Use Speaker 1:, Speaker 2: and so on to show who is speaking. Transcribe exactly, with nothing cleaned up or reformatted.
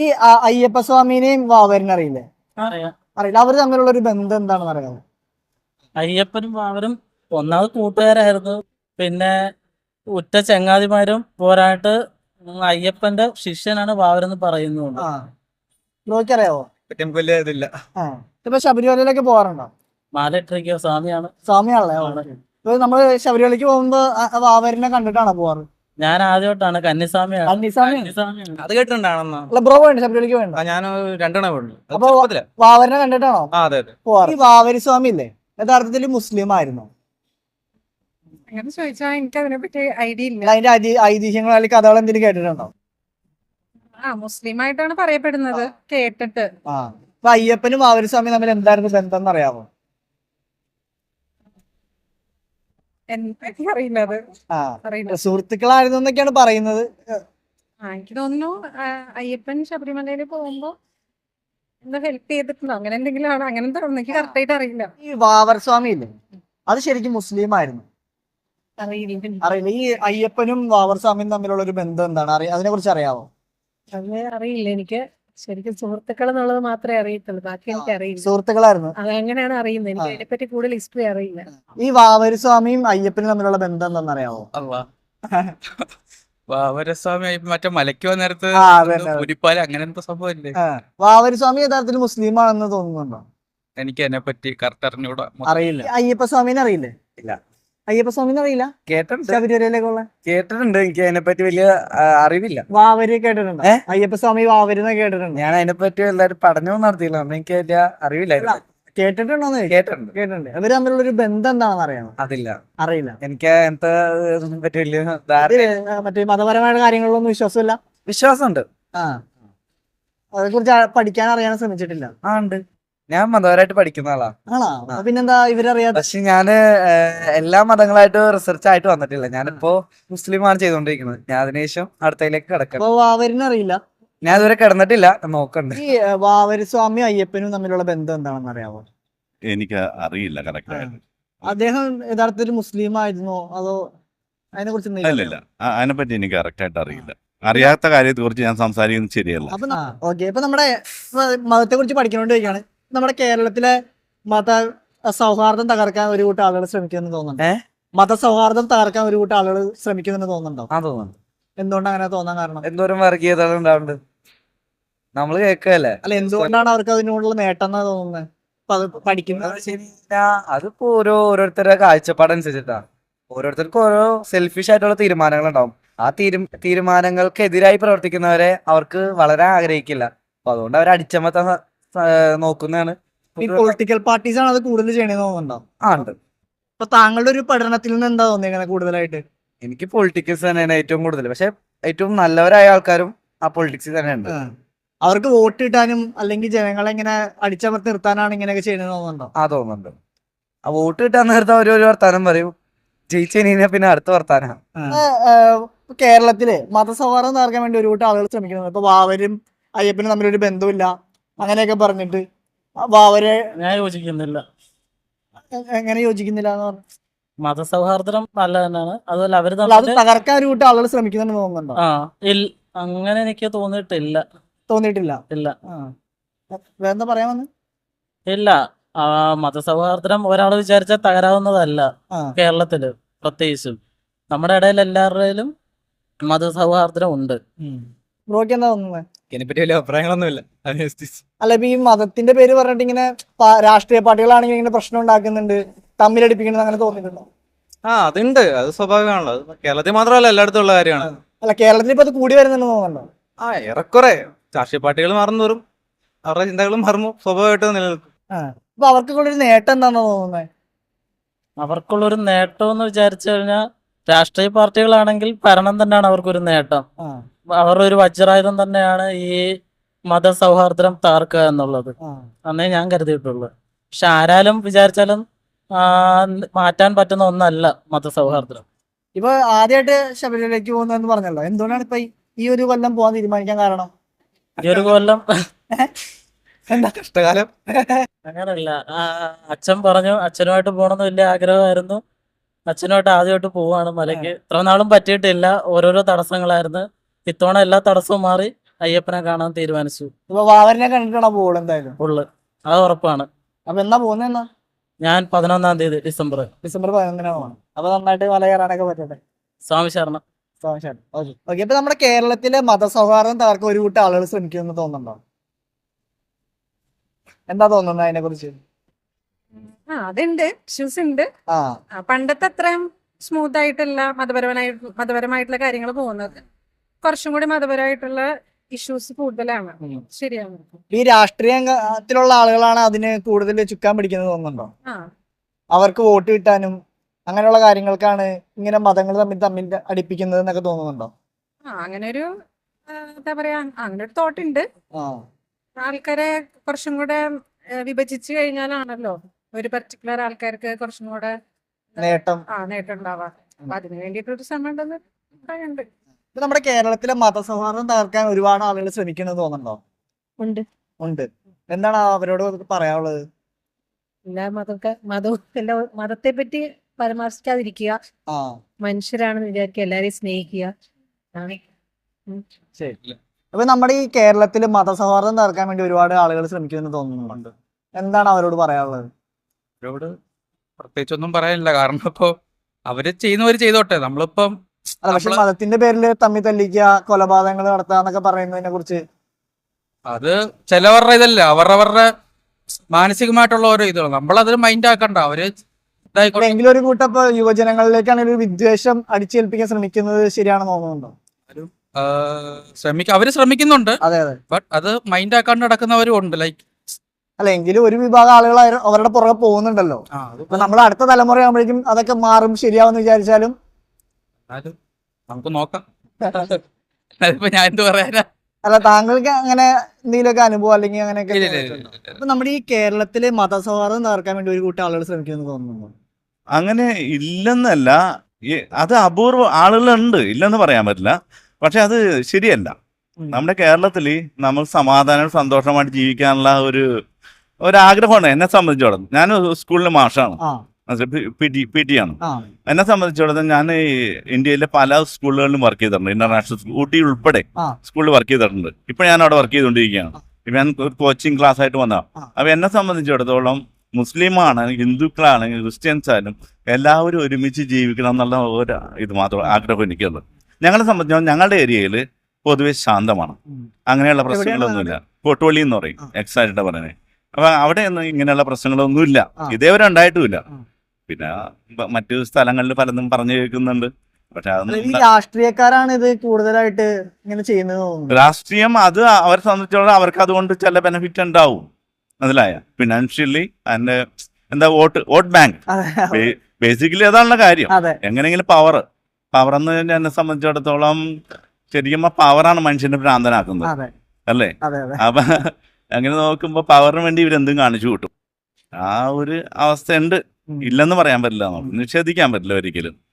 Speaker 1: ഈ അ- അയ്യപ്പ സ്വാമിനെയും വാവരനെ അറിയില്ലേ?
Speaker 2: അറിയാം.
Speaker 1: അറിയില്ല. അവര് തമ്മിലുള്ള ഒരു ബന്ധം എന്താണെന്ന് അറിയാമോ?
Speaker 2: അയ്യപ്പനും അവരും ഒന്നാമത് കൂട്ടുകാരായിരുന്നു. പിന്നെ ഉറ്റ ചങ്ങാതിമാരും പോരായിട്ട് അയ്യപ്പന്റെ ശിഷ്യനാണ് വാവരെന്ന് പറയുന്നുണ്ട്.
Speaker 1: ആ ബ്രോയ്ക്ക് അറിയാവോ?
Speaker 3: പറ്റും വലിയ ഇതില്ല.
Speaker 1: ആ ഇപ്പൊ ശബരിമലയിലേക്ക് പോകാറുണ്ടോ?
Speaker 2: മാലയിട്ടിരിക്കുക സ്വാമിയാണ്.
Speaker 1: സ്വാമിയാണല്ലേ? ഇപ്പൊ നമ്മള് ശബരിമലയ്ക്ക് പോകുമ്പോ അ- അ വാവരനെ കണ്ടിട്ടാണോ പോവാറ്?
Speaker 2: ഞാൻ ആദ്യമായിട്ടാണ് കന്നിസ്വാമിയാണ്.
Speaker 1: കന്നിസ്വാമിയാണ്.
Speaker 2: കന്നിസ്വാമിയാണ്.
Speaker 3: അത് കേട്ടിട്ടുണ്ടാണെന്നാ.
Speaker 1: അല്ല ബ്രോ വേണ്ട ശബരിമലയ്ക്ക് വേണ്ട.
Speaker 3: ഞാൻ രണ്ടെണ്ണം പോയിട്ടുണ്ട്. അത്
Speaker 1: അപ്പൊ
Speaker 3: ചെറുപ്പത്തിലാ.
Speaker 1: വാവരനെ കണ്ടിട്ടാണോ
Speaker 3: ആ അതെ അതെ.
Speaker 1: പോവാറ്? ഈ വാവരി സ്വാമി ഇല്ലേ യഥാർത്ഥത്തിൽ മുസ്ലിം ആയിരുന്നു?
Speaker 4: അങ്ങനെ ചോദിച്ചാൽ എനിക്ക് അതിനെ പറ്റി ഐഡിയ ഇല്ല.
Speaker 1: അതിന്റെ ഐതി- ഐതിഹ്യങ്ങൾ അല്ലെങ്കിൽ കഥകൾ എന്തെങ്കിലും കേട്ടിട്ടുണ്ടോ?
Speaker 4: ആ മുസ്ലിം ആയിട്ടാണ് പറയപ്പെടുന്നത് കേട്ടിട്ട്.
Speaker 1: ആ അപ്പൊ അയ്യപ്പനും വാവരി സ്വാമി തമ്മിൽ എന്തായിരുന്നു ബന്ധം എന്ന് അറിയാമോ?
Speaker 4: എനിക്ക് അറിയില്ല അത്.
Speaker 1: ആ
Speaker 4: അറിയില്ല.
Speaker 1: സുഹൃത്തുക്കളായിരുന്നു എന്നൊക്കെയാണ് പറയുന്നത്.
Speaker 4: ആ എനിക്ക് തോന്നുന്നു ആ, അയ്യപ്പൻ ശബരിമലയിൽ പോകുമ്പോ എന്താ ഹെൽപ്പ് ചെയ്തിട്ടുണ്ടോ അങ്ങനെ എന്തെങ്കിലും ആണ്. അങ്ങനെ തോന്നുന്നു. എനിക്ക് കറക്റ്റ് ആയിട്ട് അറിയില്ല.
Speaker 1: ഈ വാവർ സ്വാമി ഇല്ലേ അത് ശരിക്കും മുസ്ലിം ആയിരുന്നു?
Speaker 4: അറിയില്ല.
Speaker 1: അറിയില്ല. ഈ അയ്യപ്പനും വാവർ സ്വാമിയും തമ്മിലുള്ള ഒരു ബന്ധം എന്താണ് അറിയ അതിനെ കുറിച്ച് അറിയാമോ?
Speaker 4: അത് അറിയില്ല. എനിക്ക് ശരിക്കും സുഹൃത്തുക്കൾ എന്നുള്ളത് മാത്രമേ അറിയത്തുള്ളൂ. ബാക്കി എനിക്ക് അറിയില്ല.
Speaker 1: സുഹൃത്തുക്കളായിരുന്നു.
Speaker 4: അതെങ്ങനെയാണ് അറിയുന്നത്? എനിക്ക് അതിനെപ്പറ്റി കൂടുതൽ ഹിസ്റ്ററി അറിയില്ല.
Speaker 1: ഈ വാവരി സ്വാമിയും അയ്യപ്പനും തമ്മിലുള്ള ബന്ധം എന്താണെന്ന് അറിയാമോ?
Speaker 3: അള്ളാ. വാവരസ്വാമി മറ്റേ മലയ്ക്ക് വന്ന നേരത്ത്
Speaker 1: ആ, അതെ, അതെ.
Speaker 3: പുലിപ്പാല അങ്ങനെ എന്തോ സംഭവമില്ലേ?
Speaker 1: ആ. വാവരി സ്വാമി യഥാർത്ഥത്തിൽ മുസ്ലിം ആണെന്ന് തോന്നുന്നുണ്ടോ?
Speaker 3: എനിക്ക് അതിനെ പറ്റി കറക്റ്റ് അറിഞ്ഞൂടാ.
Speaker 1: അറിയില്ല. ഈ അയ്യപ്പ സ്വാമിനെ അറിയില്ലേ?
Speaker 5: ഇല്ല.
Speaker 1: അയ്യപ്പ സ്വാമിനെ അറിയില്ല?
Speaker 5: കേട്ടിട്ടുണ്ട്
Speaker 1: ശബരിമലയിലേക്കുള്ള
Speaker 5: കേട്ടിട്ടുണ്ട് എനിക്ക് അതിനെപ്പറ്റി വലിയ ആ, അറിവില്ല.
Speaker 1: വാവരി കേട്ടിട്ടുണ്ടോ?
Speaker 5: ഏ?
Speaker 1: അയ്യപ്പ സ്വാമി വാവരി എന്നൊക്കെ കേട്ടിട്ടുണ്ടോ?
Speaker 5: ഞാൻ അതിനെപ്പറ്റി എല്ലാവരും പഠനവും നടത്തിയില്ല. അതുകൊണ്ട് എനിക്ക് വലിയ അറിവില്ല അതിനെപ്പറ്റി.
Speaker 1: കേട്ടിട്ടുണ്ടോന്ന് ചോദിച്ചു.
Speaker 5: കേട്ടിട്ടുണ്ട്.
Speaker 1: കേട്ടിട്ടുണ്ട്. അവര് തമ്മിലുള്ള ഒരു ബന്ധം എന്താണെന്ന് അറിയാമോ?
Speaker 5: അതില്ല.
Speaker 1: അറിയില്ല.
Speaker 5: എനിക്ക് അങ്ങനത്തെ ഇതിനെ പറ്റി വലിയ ധാരണ
Speaker 1: ഇത് മറ്റേ മതപരമായ കാര്യങ്ങളിലൊന്നും വിശ്വാസമില്ല.
Speaker 5: വിശ്വാസമുണ്ട്.
Speaker 1: ആ അതേ കുറിച്ച് പഠിക്കാൻ അറിയാൻ ശ്രമിച്ചിട്ടില്ല.
Speaker 5: ആ ഉണ്ട്. ഞാൻ മതപരമായിട്ട് പഠിക്കുന്ന ആളാ.
Speaker 1: ആണോ? അപ്പൊ പിന്നെന്താ ഇവരറിയാതെ?
Speaker 5: പക്ഷെ ഞാന് ഏഹ്, എല്ലാ മതങ്ങളായിട്ട് റിസർച്ച് ആയിട്ട് വന്നിട്ടില്ല. ഞാനിപ്പോ മുസ്ലിമാണ് ചെയ്തുകൊണ്ടിരിക്കുന്നത്. ഞാൻ അതിനുശേഷം അടുത്തതിലേക്ക് കിടക്കണം.
Speaker 1: അപ്പൊ വാവരിനെ അറിയില്ല.
Speaker 5: ഞാൻ ഇതുവരെ കിടന്നിട്ടില്ല. നോക്കണ്ട്.
Speaker 1: ഈ ഏ, വാവരി സ്വാമി അയ്യപ്പനും തമ്മിലുള്ള ബന്ധം എന്താണെന്ന് അറിയാമോ?
Speaker 6: എനിക്ക് അറിയില്ല കറക്റ്റ് ആയിട്ട്.
Speaker 1: അദ്ദേഹം യഥാർത്ഥത്തിൽ മുസ്ലിം ആയിരുന്നോ അതോ അതിനെ കുറിച്ച്
Speaker 6: അല്ലല്ല അതിനെപ്പറ്റി എനിക്ക് കറക്റ്റ് ആയിട്ട് അറിയില്ല. അറിയാത്ത കാര്യത്തെ കുറിച്ച് ഞാൻ സംസാരിക്കുന്നത് ശരിയല്ല.
Speaker 1: അപ്പൊ ഓക്കെ ഇപ്പൊ നമ്മുടെ മതത്തെ കുറിച്ച് പഠിക്കണോണ്ട് ചോദിക്കാണ്. നമ്മുടെ കേരളത്തിലെ മത സൗഹാർദ്ദം തകർക്കാൻ ഒരു കൂട്ടം ആളുകൾ ശ്രമിക്കുമെന്ന് തോന്നുന്നുണ്ട്.
Speaker 5: ഏ?
Speaker 1: മത സൗഹാർദ്ദം തകർക്കാൻ ഒരു കൂട്ടം ആളുകൾ ശ്രമിക്കുമെന്ന് തോന്നുന്നുണ്ടോ?
Speaker 5: ആ തോന്നുന്നു.
Speaker 1: എന്തുകൊണ്ട് അങ്ങനെ തോന്നാൻ കാരണം?
Speaker 5: എന്തോരം വർഗീയത ഉണ്ടാവുന്നുണ്ട് നമ്മള് കേൾക്കല്ലേ.
Speaker 1: അല്ല എന്തുകൊണ്ടാണ് അവർക്ക് അതിനോടുള്ള നേട്ടം എന്നാ തോന്നുന്നത്? അപ്പൊ അത് പഠിക്കുന്നത്
Speaker 5: അത് ശരി. അതിപ്പോ ഓരോ ഓരോരുത്തരുടെ കാഴ്ചപ്പാടനുസരിച്ചിട്ടാ. ഓരോരുത്തർക്കും ഓരോ സെൽഫിഷ് ആയിട്ടുള്ള തീരുമാനങ്ങൾ ഉണ്ടാവും. ആ തീരു തീരുമാനങ്ങൾക്ക് എതിരായി പ്രവർത്തിക്കുന്നവരെ അവർക്ക് വളരെ ആഗ്രഹിക്കില്ല. അപ്പൊ അതുകൊണ്ട് അവർ അടിച്ചമർത്താൻ സ- സ- നോക്കുന്നതാണ്.
Speaker 1: ഈ പൊളിറ്റിക്കൽ പാർട്ടീസ് ആണ് അത് കൂടുതൽ ചെയ്യണമെന്ന് തോന്നുന്നുണ്ടോ?
Speaker 5: ആ ഉണ്ട്.
Speaker 1: അപ്പൊ താങ്കളുടെ ഒരു പഠനത്തിൽ നിന്ന് എന്താ തോന്നിയത് കൂടുതലായിട്ട്?
Speaker 5: എനിക്ക് പൊളിറ്റിക്സ് തന്നെയാണ് ഏറ്റവും കൂടുതൽ. പക്ഷെ ഏറ്റവും നല്ലവരായ ആൾക്കാരും ആ പൊളിറ്റിക്സിൽ തന്നെ ഉണ്ട്.
Speaker 1: ആ. അവർക്ക് വോട്ട് കിട്ടാനും അല്ലെങ്കിൽ ജനങ്ങളെ ഇങ്ങനെ അടിച്ചമർത്തി നിർത്താനാണ് ഇങ്ങനെയൊക്കെ ചെയ്യണമെന്ന് തോന്നുന്നുണ്ടോ?
Speaker 5: ആ തോന്നുന്നുണ്ട്. ആ വോട്ട് കിട്ടാൻ നേരത്തെ അവർ ഒരു വർത്താനം പറയും. ജയിച്ചു കഴിഞ്ഞാൽ പിന്നെ അടുത്ത വർത്താനം.
Speaker 1: ഇപ്പൊ കേരളത്തില് മതസൗഹാർദ്ദം തകർക്കാൻ വേണ്ടി ഒരു കൂട്ടം ആളുകൾ ശ്രമിക്കുന്നത്. ഇപ്പൊ വാവരും അയ്യപ്പനും തമ്മിലൊരു ബന്ധമില്ല അങ്ങനെയൊക്കെ പറഞ്ഞിട്ട് ആ വാവരെ
Speaker 2: ഞാൻ യോജിക്കുന്നില്ല.
Speaker 1: എ- എങ്ങനെ യോജിക്കുന്നില്ല എന്ന് പറഞ്ഞു?
Speaker 2: മതസൗഹാർദ്ദം നല്ല തന്നെയാണ്. അതുപോലെ അവര്
Speaker 1: അല്ല, അത്
Speaker 2: തമ്മില്
Speaker 1: തകർക്കാൻ ഒരു കൂട്ടം ആളുകൾ ശ്രമിക്കുന്നുണ്ടെന്ന് തോന്നുന്നുണ്ടോ?
Speaker 2: ആ ഇല്ല, അങ്ങനെ എനിക്ക് തോന്നിയിട്ടില്ല.
Speaker 1: തോന്നിയിട്ടില്ല.
Speaker 2: ഇല്ല
Speaker 1: ആ വേറെന്താ പറയാൻ വന്ന്?
Speaker 2: ഇല്ല ആ മതസൗഹാർദ്ദം ഒരാൾ വിചാരിച്ചാൽ തകരാവുന്നതല്ല.
Speaker 1: ആ
Speaker 2: കേരളത്തില് പ്രത്യേകിച്ചും നമ്മുടെ ഇടയിൽ എല്ലാവരുടെയും മതസൗഹാർദ്ദം ഉണ്ട്.
Speaker 1: ബ്രോക്ക് എന്താ തോന്നുന്നത്?
Speaker 3: ഇതിനെപ്പറ്റി വലിയ അഭിപ്രായങ്ങളൊന്നുമില്ല.
Speaker 1: അല്ല ഇപ്പൊ ഈ മതത്തിന്റെ പേര് പറഞ്ഞിട്ട് ഇങ്ങനെ പ- രാഷ്ട്രീയ പാർട്ടികളാണെങ്കിൽ ഇങ്ങനെ പ്രശ്നം ഉണ്ടാക്കുന്നുണ്ട്, തമ്മിലടിപ്പിക്കുന്നത് അങ്ങനെ തോന്നിയിട്ടുണ്ടോ?
Speaker 3: ആ അതുണ്ട്. അത് സ്വാഭാവികമാണല്ലോ. അത് കേരളത്തിൽ മാത്രമല്ല എല്ലായിടത്തും ഉള്ള കാര്യമാണ്.
Speaker 1: അല്ല കേരളത്തിൽ ഇപ്പൊ അത് കൂടി വരുന്നുണ്ടെന്ന് തോന്നുന്നുണ്ടോ?
Speaker 3: ആ ഏറെക്കുറെ രാഷ്ട്രീയ പാർട്ടികൾ മാറും തോറും അവരുടെ ചിന്തകളും മാറുമ്പോൾ സ്വാഭാവികമായിട്ട് നിലനിൽക്കും.
Speaker 1: ആ അപ്പൊ അവർക്കൊക്കെ ഒരു നേട്ടം എന്താണെന്ന് തോന്നുന്നത്?
Speaker 2: അവർക്കുള്ളൊരു നേട്ടം എന്ന് വിചാരിച്ചു കഴിഞ്ഞാൽ രാഷ്ട്രീയ പാർട്ടികളാണെങ്കിൽ ഭരണം തന്നെയാണ് അവർക്കൊരു നേട്ടം.
Speaker 1: ആ
Speaker 2: അവരുടെ ഒരു വജ്രായുധം തന്നെയാണ് ഈ മതസൗഹാർദ്ദം തകർക്കുക എന്നുള്ളത്.
Speaker 1: ആ
Speaker 2: അന്നേ ഞാൻ കരുതിയിട്ടുള്ളൂ. പക്ഷെ ആരാലും വിചാരിച്ചാലും ആ, മാറ്റാൻ പറ്റുന്ന ഒന്നല്ല മതസൗഹാർദ്ദം.
Speaker 1: ഇപ്പൊ ആദ്യമായിട്ട് ശബരിമലയ്ക്ക് പോകുന്നതെന്ന് പറഞ്ഞല്ലോ, എന്തുകൊണ്ടാണ് ഇപ്പൊ ഈ- ഈ ഒരു കൊല്ലം പോകാൻ തീരുമാനിക്കാൻ കാരണം?
Speaker 2: ഈ ഒരു കൊല്ലം
Speaker 1: എന്താ?
Speaker 3: കഷ്ടകാലം.
Speaker 2: അങ്ങനല്ല, ആ, അച്ഛൻ പറഞ്ഞു അച്ഛനുമായിട്ട് പോകണമെന്ന് വലിയ ആഗ്രഹമായിരുന്നു. അച്ഛനുമായിട്ട് ആദ്യമായിട്ട് പോവാണ് മലയ്ക്ക്. ഇത്ര നാളും പറ്റിയിട്ടില്ല, ഓരോരോ തടസ്സങ്ങളായിരുന്നു. ഇത്തവണ എല്ലാ തടസ്സവും മാറി അയ്യപ്പനെ കാണാൻ തീരുമാനിച്ചു.
Speaker 1: ഇപ്പൊ വാവരനെ കണ്ടിട്ടാണോ പോകുള്ളൂ എന്തായാലും?
Speaker 2: ഉള്ളു, അത് ഉറപ്പാണ്.
Speaker 1: അപ്പൊ എന്നാ പോകുന്നത്? എന്നാ
Speaker 2: ഞാൻ പതിനൊന്നാം തീയതി ഡിസംബർ.
Speaker 1: ഡിസംബർ പതിനൊന്നിനാണ് പോകണം. അപ്പൊ നന്നായിട്ട് മല കയറാനൊക്കെ പറ്റട്ടെ.
Speaker 2: സ്വാമി ശരണം.
Speaker 1: Okay okay. ഇപ്പൊ നമ്മുടെ കേരളത്തിലെ മതസൗഹാർദ്ദം തകർക്കാൻ ഒരു കൂട്ടം ആളുകൾ ശ്രമിക്കുമെന്ന് തോന്നുന്നുണ്ടോ? എന്താ തോന്നുന്നത് അതിനെ കുറിച്ച്?
Speaker 4: ആ അതുണ്ട്, ഇഷ്യൂസ് ഉണ്ട്.
Speaker 1: ആ
Speaker 4: ആ, പണ്ടത്തെ അത്രയും സ്മൂത്ത് ആയിട്ടല്ല മതപരമായി മതപരമായിട്ടുള്ള കാര്യങ്ങൾ പോകുന്നത്. കുറച്ചും കൂടി മതപരമായിട്ടുള്ള ഇഷ്യൂസ് കൂടുതലാണ്.
Speaker 1: ഉം.
Speaker 4: ശരിയാണ്.
Speaker 1: ഈ രാഷ്ട്രീയത്തിലുള്ള ആളുകളാണ് അതിന് കൂടുതൽ ചുക്കാൻ പിടിക്കുന്നത് തോന്നുന്നുണ്ടോ?
Speaker 4: ആ
Speaker 1: അവർക്ക് വോട്ട് കിട്ടാനും അങ്ങനെയുള്ള കാര്യങ്ങൾക്കാണ് ഇങ്ങനെ മതങ്ങൾ തമ്മിൽ തമ്മിൽ അടുപ്പിക്കുന്നത് എന്നൊക്കെ തോന്നുന്നുണ്ടോ?
Speaker 4: ആ അങ്ങനെ ഒരു ആ, എന്താ പറയാ, അങ്ങനെ ഒരു തോട്ട് ഉണ്ട്.
Speaker 1: ആ
Speaker 4: ആൾക്കാരെ കുറച്ചും കൂടെ ആ, വിഭജിച്ച് കഴിഞ്ഞാലാണല്ലോ ഒരു പർട്ടിക്കുലർ ആൾക്കാർക്ക് കുറച്ചും കൂടെ
Speaker 1: നേട്ടം.
Speaker 4: ആ നേട്ടം ഉണ്ടാവാ. അപ്പൊ അതിന് വേണ്ടിയിട്ടൊരു ശ്രമം ഉണ്ടെന്ന് പറയുന്നുണ്ട്.
Speaker 1: ഇപ്പൊ നമ്മുടെ കേരളത്തിലെ മതസൗഹാർദ്ദം തകർക്കാൻ ഒരുപാട് ആളുകൾ ശ്രമിക്കുന്നത് തോന്നുന്നുണ്ടോ?
Speaker 7: ഉണ്ട്.
Speaker 1: ഉണ്ട്. എന്താണ് അവരോട് പറയാനുള്ളത്?
Speaker 7: എല്ലാ മതമൊക്കെ മതവും എല്ലാ മതത്തെ പറ്റി പരാമർശിക്കാതിരിക്കുക,
Speaker 1: ആ
Speaker 7: മനുഷ്യരാണെന്ന് വിചാരിക്കുക, എല്ലാരെയും സ്നേഹിക്കുക. അതാണ്.
Speaker 1: ശരി. അപ്പൊ നമ്മുടെ ഈ കേരളത്തിൽ മതസൗഹാർദ്ദം തകർക്കാൻ വേണ്ടി ഒരുപാട് ആളുകൾ ശ്രമിക്കുമെന്ന് തോന്നുന്നുണ്ട്. എന്താണ് അവരോട് പറയാനുള്ളത്?
Speaker 3: അവരോട് പ്രത്യേകിച്ചൊന്നും പറയാനില്ല. കാരണം ഇപ്പൊ അവര് ചെയ്യുന്നവര് ചെയ്തോട്ടെ. നമ്മളിപ്പം
Speaker 1: അല്ല, പക്ഷെ
Speaker 3: നമ്മള്
Speaker 1: മതത്തിന്റെ പേരിൽ തമ്മിൽ തല്ലിക്കുക, കൊലപാതകങ്ങൾ നടത്തുക എന്നൊക്കെ പറയുന്നതിനെ കുറിച്ച്
Speaker 3: അത് ചിലവരുടെ ഇതല്ല, അവരവരുടെ മാനസികമായിട്ടുള്ള ഓരോ ഇതാണ്. നമ്മളതിന് മൈൻഡ് ആക്കണ്ട. അവര് ഇതായിക്കോട്ടെ.
Speaker 1: എങ്കിലും ഒരു കൂട്ടം ഇപ്പൊ യുവജനങ്ങളിലേക്കാണ് ഒരു വിദ്വേഷം അടിച്ചേൽപ്പിക്കാൻ ശ്രമിക്കുന്നത് ശരിയാണെന്ന് തോന്നുന്നുണ്ടോ?
Speaker 3: ശ്രമിക്ക അവര് ശ്രമിക്കുന്നുണ്ട്.
Speaker 1: അതെ അതെ.
Speaker 3: ബട്ട് അത് മൈൻഡ് ആക്കാണ്ട് നടക്കുന്നവരും ഉണ്ട്. ലൈക്ക്
Speaker 1: അല്ല, എങ്കിലും ഒരു വിഭാഗം ആളുകൾ അവര- അവരുടെ പുറകെ പോകുന്നുണ്ടല്ലോ. അപ്പൊ നമ്മൾ അടുത്ത തലമുറ ആകുമ്പോഴേക്കും അതൊക്കെ മാറും, ശരിയാവെന്ന് വിചാരിച്ചാലും
Speaker 3: നമുക്ക് നോക്കാം. അതിപ്പോ ഞാൻ എന്ത് പറയാനാ.
Speaker 1: അല്ല, താങ്കൾക്ക് അങ്ങനെ എന്തെങ്കിലുമൊക്കെ അനുഭവം അല്ലെങ്കിൽ അങ്ങനെയൊക്കെ
Speaker 3: ഇല്ല, ഇല്ല, ഇല്ല,
Speaker 1: തോന്നിയിട്ടുണ്ടോ?
Speaker 3: ഇല്ല, ഇല്ല.
Speaker 1: അപ്പൊ നമ്മുടെ ഈ കേരളത്തിലെ മതസൗഹാർദ്ദം തകർക്കാൻ വേണ്ടി ഒരു കൂട്ടം ആളുകൾ ശ്രമിക്കുമെന്ന് തോന്നുന്നു.
Speaker 6: അങ്ങനെ ഇല്ലെന്നല്ല, ഈ അത് അപൂർവ ആളുകളുണ്ട്, ഇല്ലെന്ന് പറയാൻ പറ്റില്ല. പക്ഷെ അത് ശരിയല്ല.
Speaker 1: ഉം.
Speaker 6: നമ്മുടെ കേരളത്തിൽ നമ്മൾ സമാധാനം സന്തോഷമായിട്ട് ജീവിക്കാനുള്ള ഒരു ഒരാഗ്രഹമാണ്. എന്നെ സംബന്ധിച്ചോളം ഞാൻ സ്കൂളിലെ മാഷാണ്,
Speaker 1: ആ
Speaker 6: പി ടി പി ടി ആണ്.
Speaker 1: ആ
Speaker 6: എന്നെ സംബന്ധിച്ചിടത്തോളം ഞാൻ ഈ ഇന്ത്യയിലെ പല സ്കൂളുകളിലും വർക്ക് ചെയ്തിട്ടുണ്ട്. ഇന്റർനാഷണൽ സ്കൂൾ ഊട്ടി ഉൾപ്പെടെ
Speaker 1: ആ.
Speaker 6: സ്കൂളിൽ വർക്ക് ചെയ്തിട്ടുണ്ട്. ഇപ്പൊ ഞാൻ അവിടെ വർക്ക് ചെയ്തുകൊണ്ടിരിക്കുകയാണ്. ഇപ്പൊ ഞാൻ ഒരു കോച്ചിങ് ക്ലാസ് ആയിട്ട് വന്നതാണ്.
Speaker 1: ആ.
Speaker 6: അപ്പൊ എന്നെ സംബന്ധിച്ചിടത്തോളം മുസ്ലിമാണ്, ഹിന്ദുക്കളാണ്, ക്രിസ്ത്യൻസ് ആയാലും എല്ലാവരും ഒരുമിച്ച് ജീവിക്കണം എന്നുള്ള ഒരു ഇത് മാത്രം ആഗ്രഹം എനിക്കുള്ളത്. ഞങ്ങളെ സംബന്ധിച്ചോളം ഞങ്ങളുടെ ഏരിയയിൽ പൊതുവെ ശാന്തമാണ്.
Speaker 1: ഉം.
Speaker 6: അങ്ങനെയുള്ള
Speaker 1: എവിടെയാണ്
Speaker 6: പ്രശ്നങ്ങളൊന്നുമില്ല. കോട്ടുവള്ളി എന്ന് പറയും,
Speaker 1: ആ.
Speaker 6: എക്സാക്റ്റ് പറയുന്നത്. അപ്പൊ അവിടെ ഒന്നും ഇങ്ങനെയുള്ള പ്രശ്നങ്ങളൊന്നുമില്ല,
Speaker 1: ആ.
Speaker 6: ഇതേവരെ ഉണ്ടായിട്ടുമില്ല.
Speaker 1: ആ.
Speaker 6: പിന്നെ ബ- മറ്റു സ്ഥലങ്ങളിൽ പലതും പറഞ്ഞു കേൾക്കുന്നുണ്ട്. പക്ഷെ
Speaker 1: അല്ല, ഈ
Speaker 6: അതൊന്നും
Speaker 1: രാഷ്ട്രീയക്കാരാണ് ഇത് കൂടുതലായിട്ട് ഇങ്ങനെ ചെയ്യുന്നത് തോന്നുന്നു.
Speaker 6: രാഷ്ട്രീയം അത് അവരെ സംബന്ധിച്ചോളം അവർക്ക് അതുകൊണ്ട് ചില ബെനിഫിറ്റ് ഉണ്ടാവും, മനസ്സിലായ, ഫിനാൻഷ്യലി അതിന്റെ എന്താ വോട്ട് വോട്ട് ബാങ്ക്
Speaker 1: അതെ
Speaker 6: ബേസിക്കലി അതാണുള്ള കാര്യം.
Speaker 1: അതെ.
Speaker 6: എങ്ങനെയെങ്കിലും പവർ പവർ എന്ന് പറഞ്ഞാൽ എന്നെ സംബന്ധിച്ചിടത്തോളം ശരിക്കും പവറാണ് മനുഷ്യനെ ഭ്രാന്തനാക്കുന്നത്,
Speaker 1: അതെ
Speaker 6: അല്ലേ?
Speaker 1: അതെ അതെ.
Speaker 6: അപ്പൊ അങ്ങനെ നോക്കുമ്പോ പവറിന് വേണ്ടി ഇവരെന്തും കാണിച്ചു കൂട്ടും. ആ ഒരു അവസ്ഥ ഉണ്ട്,
Speaker 1: ഉം.
Speaker 6: ഇല്ലെന്ന് പറയാൻ പറ്റില്ല, നമുക്ക് നിഷേധിക്കാൻ പറ്റില്ല ഒരിക്കലും.